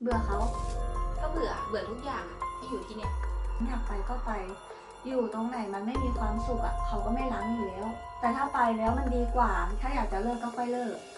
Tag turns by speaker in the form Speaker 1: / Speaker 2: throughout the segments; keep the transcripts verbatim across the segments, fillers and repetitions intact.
Speaker 1: เบื่อเขา
Speaker 2: ก็เบื่อเบื่อทุกอย่างอะที่อยู่ที่เนี่ย
Speaker 1: อยากไปก็ไปอยู่ตรงไหนมันไม่มีความสุขอ่ะเขาก็ไม่รั้งอยู่แล้ว แต่ถ้าไปแล้วมันดีกว่าถ้าอยากจะเลิกก็ค่อยเลิก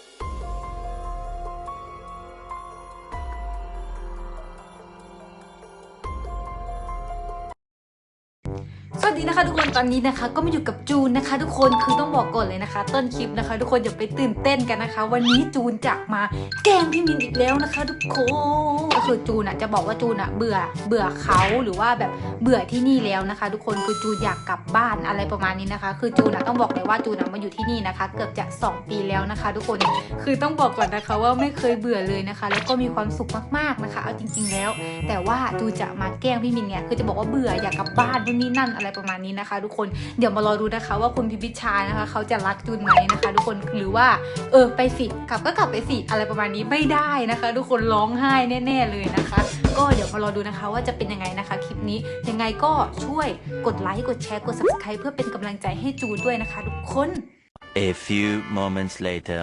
Speaker 2: สวัสดีนะคะทุกคนตอนนี้นะคะก็มาอยู่กับจูนนะคะ ทุกคนคือต้องบอกก่อนเลยนะคะ ต้นคลิปนะคะ ทุกคนอย่าไปตื่นเต้นกันนะคะ วันนี้จูนจะมาแกล้งพี่มินอีกแล้วนะคะ ทุกคนก็คือจูนอ่ะจะบอกว่าจูนอ่ะเบื่อเบื่อเขาหรือว่าแบบเบื่อที่นี่แล้วนะคะ ทุกคนคือจูนอยากกลับบ้านอะไรประมาณนี้นะคะ คือจูนอ่ะต้องบอกเลยว่าจูนอ่ะมาอยู่ที่นี่นะคะ เกือบจะสองปีแล้วนะคะ ทุกคนคือต้องบอกก่อนนะคะว่าไม่เคยเบื่อเลยนะคะ แล้วก็มีความสุขมากๆนะคะเอาจริงๆแล้ว แต่ว่าจูนจะมาแกล้งพี่มินเนี่ยคือจะบอกว่าเบื่ออยากกลับบ้านนู่นนี่นั่นอะไรประมาณนี้นะคะ ทุกคนเดี๋ยวมารอดูนะคะว่าคุณพิพิชานะคะเขาจะรักจูนไหมนะคะ ทุกคนหรือว่าเออไปสิกลับก็กลับไปสิอะไรประมาณนี้ไม่ได้นะคะ ทุกคนร้องไห้แน่ๆเลยนะคะ ก็เดี๋ยวมารอดูนะคะว่าจะเป็นยังไงนะคะคลิปนี้ยังไงก็ช่วยกดไลค์กดแชร์กด ซับสไครบ์ เพื่อเป็นกำลังใจให้จูนด้วยนะคะ ทุกคน
Speaker 3: A few moments later.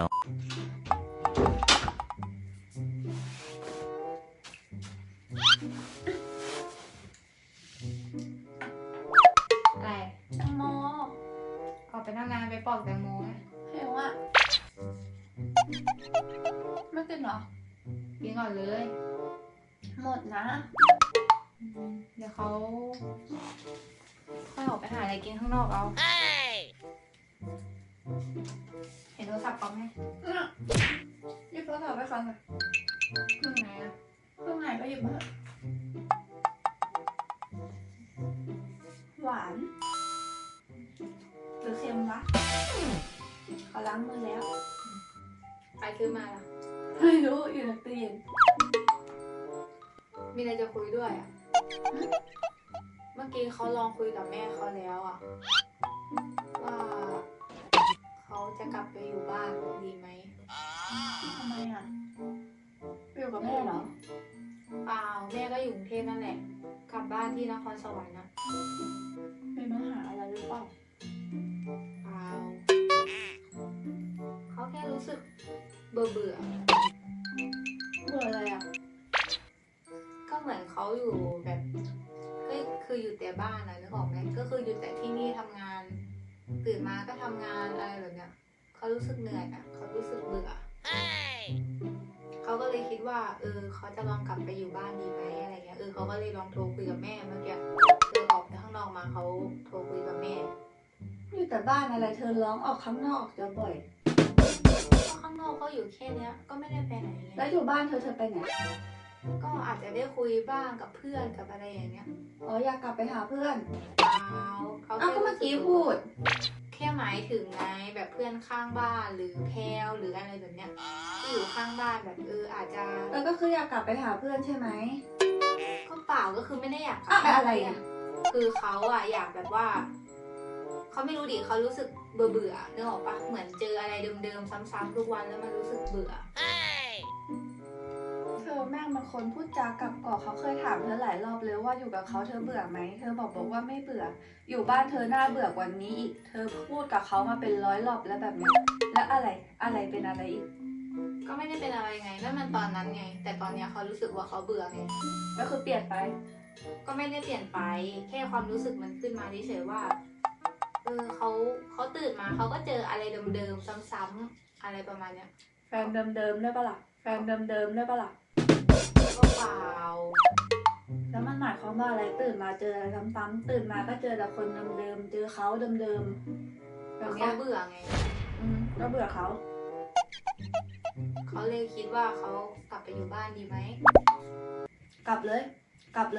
Speaker 2: อะไร
Speaker 1: แตงโม
Speaker 2: ออกไปทำงานไปปอกแตงโมนะ
Speaker 1: เห็นว่าไม่กินเหรอ
Speaker 2: กินก่อนเลย
Speaker 1: หมดนะ
Speaker 2: เดี๋ยวเขาค่อยออกไปหาอะไรกินข้างนอกเอาเห็นโทรศัพท์เขาไหม
Speaker 1: หยิบโทรศัพท์ไปก่อนเลย
Speaker 2: เครื่องไหนอะ
Speaker 1: เครื่องไหนก็หยิบมาเถอะหวานหรือเค็มวะเขาล้างมือแล้ว
Speaker 2: ใครซื้อมาล่ะ
Speaker 1: ไม่รู้อยู่ในตู้เย็น
Speaker 2: มีอะไรจะคุยด้วยอะเมื่อกี้เขาลองคุยกับแม่เขาแล้วอะว่าเขาจะกลับไปอยู่บ้านดีไหม
Speaker 1: ทำไมอ่ะไปอยู่กับแม่เหรอ
Speaker 2: เปล่าแม่ก็อยู่กรุงเทพนั่นแหละ กลับบ้านที่นครสวรรค์นะ
Speaker 1: มีปัญหาอะไรหรือเปล่า
Speaker 2: เปล่าเขาแค่รู้สึกเบื่อเบื่อ
Speaker 1: เบื่ออะไรอ่ะ
Speaker 2: ก็เหมือนเขาอยู่แบบก็คืออยู่แต่บ้านนะนึกออกไหมก็คืออยู่แต่ที่นี่ทำงาน ตื่นมาก็ทำงานอะไรแบบเนี้ยเขารู้สึกเหนื่อยอ่ะเขารู้สึกเบื่อเขาก็เลยคิดว่าเออเขาจะลองกลับไปอยู่บ้านดีไหมอะไรเงี้ยเออเขาก็เลยลองโทรคุยกับแม่เมื่อกี้เธอออกไปข้างนอกมาเขาโทรคุยกับแม่
Speaker 1: อยู่แต่บ้านอะไรเธอร้องออกข้างนอกจะบ่อย
Speaker 2: ก็ข้างนอกก็อยู่แค่เนี้ยก็ไม่ได้ไปไหนไง
Speaker 1: แล้วอยู่บ้านเธอเธอไปไหน
Speaker 2: ก็อาจจะได้คุยบ้างกับเพื่อนกับอะไรอย่างเงี้ย
Speaker 1: อ๋ออยากกลับไปหาเพื่อน
Speaker 2: เปล่าเขา
Speaker 1: อ้าว
Speaker 2: แค่
Speaker 1: ก็เมื่อกี้พูด
Speaker 2: แค่หมายถึงไงแบบเพื่อนข้างบ้านหรือแพลวหรืออะไรแบบเนี้ยที่อยู่ข้างบ้านแบบเอออาจจะ
Speaker 1: แล้วก็คืออยากกลับไปหาเพื่อนใช่ไหม
Speaker 2: ก็เปล่าก็คือไม่ได้อยาก
Speaker 1: อ่ะอะไรอ่ะ
Speaker 2: คือเขาอะอยากแบบว่าเขาไม่รู้ดิเขารู้สึกเบื่อเบื่อนึกออกปะเหมือนเจออะไรเดิมๆซ้ำๆทุกวันแล้วมันรู้สึกเบื่อ
Speaker 1: เธอแม่งมันคนพูดจากับกอกเขาเคยถามเธอหลายรอบเลยว่าอยู่กับเขาเธอเบื่อไหม เธอบอกบอกว่าไม่เบื่อ อยู่บ้านเธอหน้าเบื่อกว่านี้อีก เธอพูดกับเขามาเป็นร้อยรอบแล้วแบบนี้ แล้วอะไร อะไรเป็นอะไรอีก
Speaker 2: ก็ไม่ได้เป็นอะไรไงนั่นมันตอนนั้นไง แต่ตอนเนี้ยเขารู้สึกว่าเขาเบื่อไง
Speaker 1: ก็คือเปลี่ยนไป
Speaker 2: ก็ไม่ได้เปลี่ยนไป แค่ความรู้สึกมันขึ้นมาเฉยๆว่า เออเขาเขาตื่นมาเขาก็เจออะไรเดิมๆซ้ำๆอะไรประมาณเนี้ย
Speaker 1: แฟนเดิมๆได้ปะล่ะ แฟนเดิมๆได้ปะล่ะ
Speaker 2: ก็เปล่า
Speaker 1: แล้วมันหมายความว่าอะไรตื่นมาเจออะไรซ้ำๆตื่นมาก็เจอแต่คนเดิมๆเจอเขาเดิมๆแบบเนี้
Speaker 2: เขา
Speaker 1: ย
Speaker 2: เบื่อไง
Speaker 1: อืมก็เบื่อเขา
Speaker 2: เขาเลยคิดว่าเขากลับไปอยู่บ้านดีไหม
Speaker 1: กลับเลย กลับเลย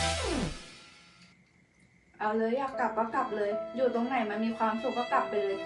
Speaker 1: เอาเลยอยากกลับก็กลับเลย อยู่ตรงไหนมันมีความสุขก็กลับไปเลย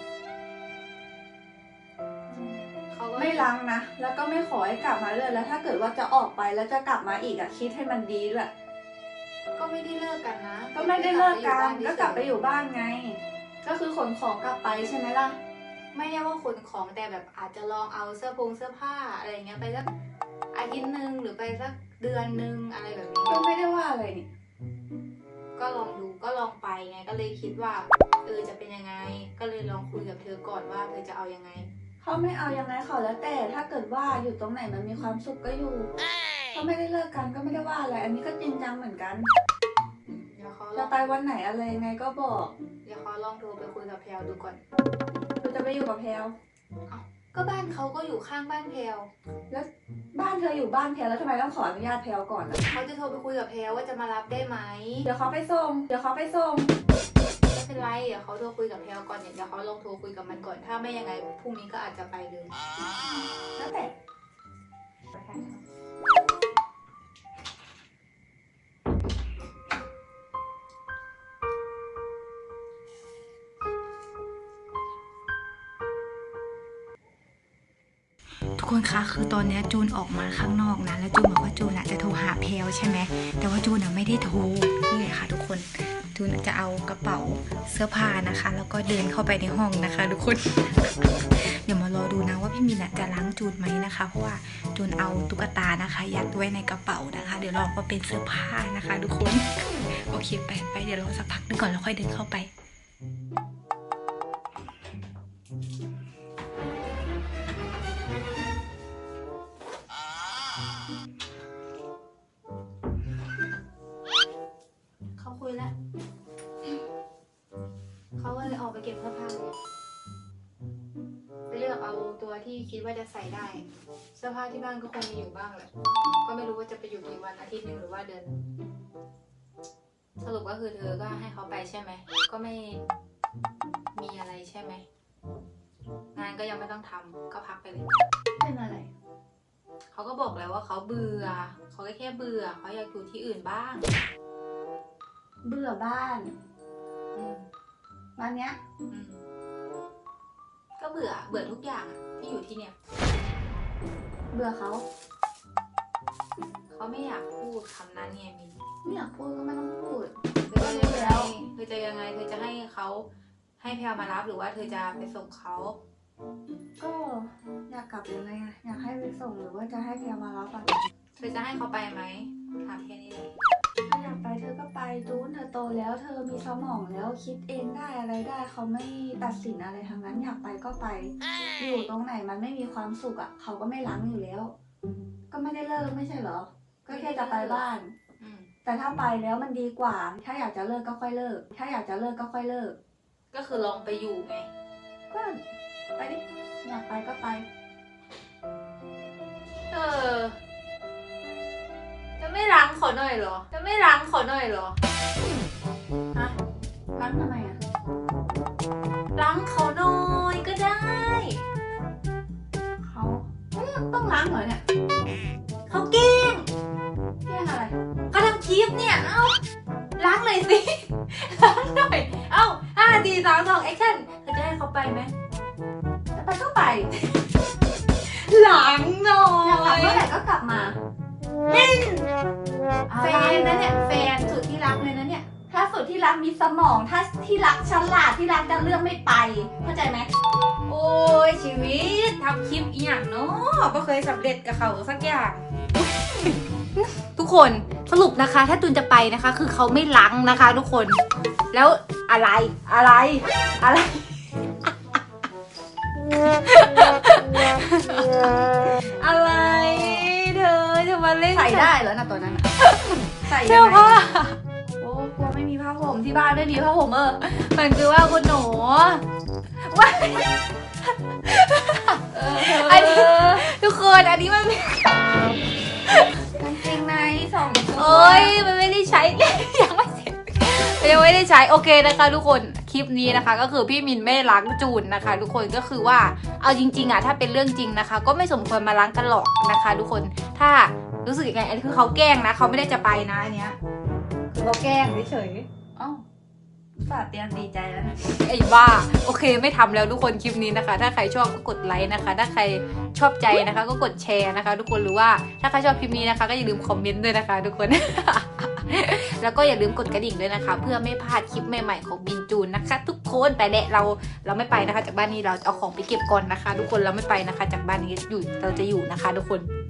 Speaker 2: เขาก็
Speaker 1: ไม่ล้างนะ แล้วก็ไม่ขอให้กลับมาเลยแล้วถ้าเกิดว่าจะออกไปแล้วจะกลับมาอีกอะคิดให้มันดีด้วย
Speaker 2: ก็ไม่ได้เลิกกันนะ
Speaker 1: ก็ไม่ได้เลิกกัน
Speaker 2: แต่
Speaker 1: ก็กลับไปอยู่บ้านไง ก็คือขนของกลับไปใช่ไหมล่ะ
Speaker 2: ไม่ได้ว่าขนของแต่แบบอาจจะลองเอาเสื้อผงเสื้อผ้าอะไรเงี้ยไปสักอาทิตย์หนึ่งหรือไปสักเดือนหนึ่งอะไรแบบนี้
Speaker 1: ก็ไม่ได้ว่าอะไรนี่
Speaker 2: ก็ลองดูก็ลองไปไงก็เลยคิดว่าเออจะเป็นยังไง ก็เลยลองคุยกับเธอก่อนว่าเธอจะเอายังไง
Speaker 1: เขาไม่เอายังไงเขาแล้วแต่ถ้าเกิดว่าอยู่ตรงไหนมันมีความสุขก็อยู่ เขาไม่ได้เลิกกันก็ไม่ได้ว่าอะไร อันนี้ก็จริงจังเหมือนกัน
Speaker 2: เดี๋ยวเขาล
Speaker 1: จะ
Speaker 2: อง
Speaker 1: ไปวันไหนอะไรยังไงก็บอก
Speaker 2: เดี๋ยวเขาลองโทรไปคุยกับแพลวดูก่อน
Speaker 1: เธอจะไปอยู่กับแพลว
Speaker 2: ก็บ้านเขาก็อยู่ข้างบ้านแพลว
Speaker 1: แล้วบ้านเธออยู่บ้านแพลวแล้วทำไมต้องขออนุญาตแพลวก่อนอะ
Speaker 2: เขาจะโทรไปคุยกับแพลวว่าจะมารับได้ไหม
Speaker 1: เดี๋ยวเขาไปส่ง เดี๋ยวเขาไปส่ง
Speaker 2: ไม่เป็นไรเดี๋ยวเขาโทรคุยกับแพลวก่อนเดี๋ยวเขาลองโทรคุยกับมันก่อนถ้าไม่ยังไงพรุ่งนี้ก็อาจจะไปเลย
Speaker 1: แล้วแต่
Speaker 2: ทุกคนคะคือตอนนี้จูนออกมาข้างนอกนะแล้วจูนบอกว่าจูนอะจะโทรหาแพลวใช่ไหมแต่ว่าจูนอะไม่ได้โทรนี่เลยค่ะทุกคนจูนจะเอากระเป๋าเสื้อผ้านะคะ แล้วก็เดินเข้าไปในห้องนะคะ ทุกคน เดี๋ยวมารอดูนะว่าพี่มินอะจะล้างจูนไหมนะคะ เพราะว่าจูนเอาตุ๊กตานะคะ ยัดไว้ในกระเป๋านะคะ เดี๋ยวรอว่าเป็นเสื้อผ้านะคะ ทุกคน โอเคไปไปเดี๋ยวรอสักพักนึงก่อนแล้วค่อยเดินเข้าไป เขาคุยแล้ว เขาก็เลยออกไปเก็บเสื้อผ้าเลยไปเลือกเอาตัวที่คิดว่าจะใส่ได้ เสื้อผ้าที่บ้านก็คงมีอยู่บ้างแหละ ก็ไม่รู้ว่าจะไปอยู่กี่วันอาทิตย์หนึ่งหรือว่าเดือน สรุปก็คือเธอก็ให้เขาไปใช่ไหม ก็ไม่มีอะไรใช่ไหม งานก็ยังไม่ต้องทำก็พักไปเลย
Speaker 1: เป็นอะไร
Speaker 2: เขาก็บอกแล้วว่าเขาเบื่อ เขาก็แค่เบื่อ เขาอยากอยู่ที่อื่นบ้าง
Speaker 1: เบื่อบ้าน
Speaker 2: อืม
Speaker 1: วันเนี้ย
Speaker 2: อืมก็เบื่อ เบื่อทุกอย่างอะที่อยู่ที่เนี่ย
Speaker 1: เบื่อเขา
Speaker 2: เขาไม่อยากพูดคำนั้นไงมิน
Speaker 1: ไม่อยากพูดก็ไม่ต้องพูด
Speaker 2: เธอจะยัง
Speaker 1: แล้
Speaker 2: ไง
Speaker 1: ว
Speaker 2: เธอจะยังไง เธอจะให้เขาให้แพลวมารับหรือว่าเธอจะไปส่งเขา
Speaker 1: ก็อยากกลับยังไงอะอยากให้ไปส่งหรือว่าจะให้แพลวมารับอะ
Speaker 2: เธอจะให้เขาไปไหมถามแค่นี้เลย
Speaker 1: ถ้าอยากไปเธอก็ไปจูนเธอโตแล้วเธอมีสมองแล้วคิดเองได้อะไรได้เขาไม่ตัดสินอะไรทั้งนั้นอยากไปก็ไป อยู่ตรงไหนมันไม่มีความสุขอ่ะเขาก็ไม่ล้างอยู่แล้ว ก็ไม่ได้เลิกไม่ใช่เหรอ ก็แค่จะไปบ้าน
Speaker 2: อืม
Speaker 1: แต่ถ้าไปแล้วมันดีกว่า ถ้าอยากจะเลิกก็ค่อยเลิก ถ้าอยากจะเลิกก็ค่อยเลิก
Speaker 2: ก็คือลองไปอยู่ไง
Speaker 1: ก็ไปดิอยากไปก็ไป
Speaker 2: เออ จะไม่ล้างเขาหน่อยเหรอ จะไม่ล้างเขาหน่อยเหรอ ฮะ
Speaker 1: ล้างทำไมอ่ะ
Speaker 2: ล้างเขาหน่อยก็ได้
Speaker 1: เขาเอ้ยต้องล้างเหรอเนี่ย
Speaker 2: เขาแกล้ง
Speaker 1: แก้อะไร
Speaker 2: เขาทำคลิปเนี่ย เอ้า ล้างหน่อยสิ ล้างหน่อย เอ้าห้าสี่สามสองแอคชั่นเธอจะให้เขาไปไหม
Speaker 1: จะไปก็ไป
Speaker 2: ล้างหน่อ
Speaker 1: อยากกลับ
Speaker 2: ย
Speaker 1: เมื่อไหร่ก็กลับมา
Speaker 2: แฟ
Speaker 1: แฟ
Speaker 2: น
Speaker 1: น
Speaker 2: นะ
Speaker 1: นะ
Speaker 2: เนี่
Speaker 1: เนี่ย ย
Speaker 2: แฟนสุดที่รักเลยนะเนี่ย
Speaker 1: ถ้าสุดที่รักมีสมอง ถ้าที่รักฉลาดที่รักจะเลือกไม่ไป เข้าใจไหม
Speaker 2: โอ้ยชีวิตทำคลิปอีหยังเนาะก็เคยสำเร็จกับเขาสักอย่าง ทุกคนสรุปนะคะ ถ้าตูนจะไปนะคะ คือเขาไม่ล้างนะคะ ทุกคน แล้วอะไรอะไรอะไร อะไรเธอจะมาเล่น
Speaker 1: ใส่ได้เหรอนะตัวนั้นน่ะใส่
Speaker 2: เสื้
Speaker 1: ยั
Speaker 2: อง
Speaker 1: ไง
Speaker 2: ผ้า
Speaker 1: โอ้กลัวไม่มีผ้าห่มที่บ้านไม่มีผ้าห่มเออ
Speaker 2: มันคือว่าคุณหนูว่า
Speaker 1: เออ
Speaker 2: อันนี้ทุกคนอันนี้มัน
Speaker 1: กางเกงในสองตัว
Speaker 2: โอ้ยมันไม่ได้ใช้ ยังไม่เสร็จยังไม่ได้ใช้โอเคนะคะทุกคนคลิปนี้นะคะ ก็คือพี่มินไม่ล้างจูนนะคะ ทุกคนก็คือว่าเอาจริงๆอ่ะถ้าเป็นเรื่องจริงนะคะ ก็ไม่สมควรมาล้างกันหรอกนะคะ ทุกคนถ้ารู้สึกยังไงอันนี้คือเขาแกล้งนะเขาไม่ได้จะไปนะอันเนี้ยคือเขาแกล้งเฉย
Speaker 1: เอ้าฝาดเตรียมดีใจแล้วนะ
Speaker 2: ๆไอ้บ้าโอเคไม่ทำแล้วทุกคนคลิปนี้นะคะ ถ้าใครชอบก็กดไลค์นะคะ ถ้าใครชอบใจนะคะ ก็กดแชร์นะคะ ทุกคนหรือว่าถ้าใครชอบคลิปนี้นะคะ ก็อย่าลืมคอมเมนต์ด้วยนะคะ ทุกคน แล้วก็อย่าลืมกดกระดิ่งด้วยนะคะ เพื่อไม่พลาดคลิปใหม่ๆของบินจูนนะคะ ทุกคนแต่แหละเราเราไม่ไปนะคะ จากบ้านนี้เราจะเอาของไปเก็บก่อนนะคะ ทุกคนเราไม่ไปนะคะ จากบ้านนี้อยู่เราจะอยู่นะคะ ทุกคน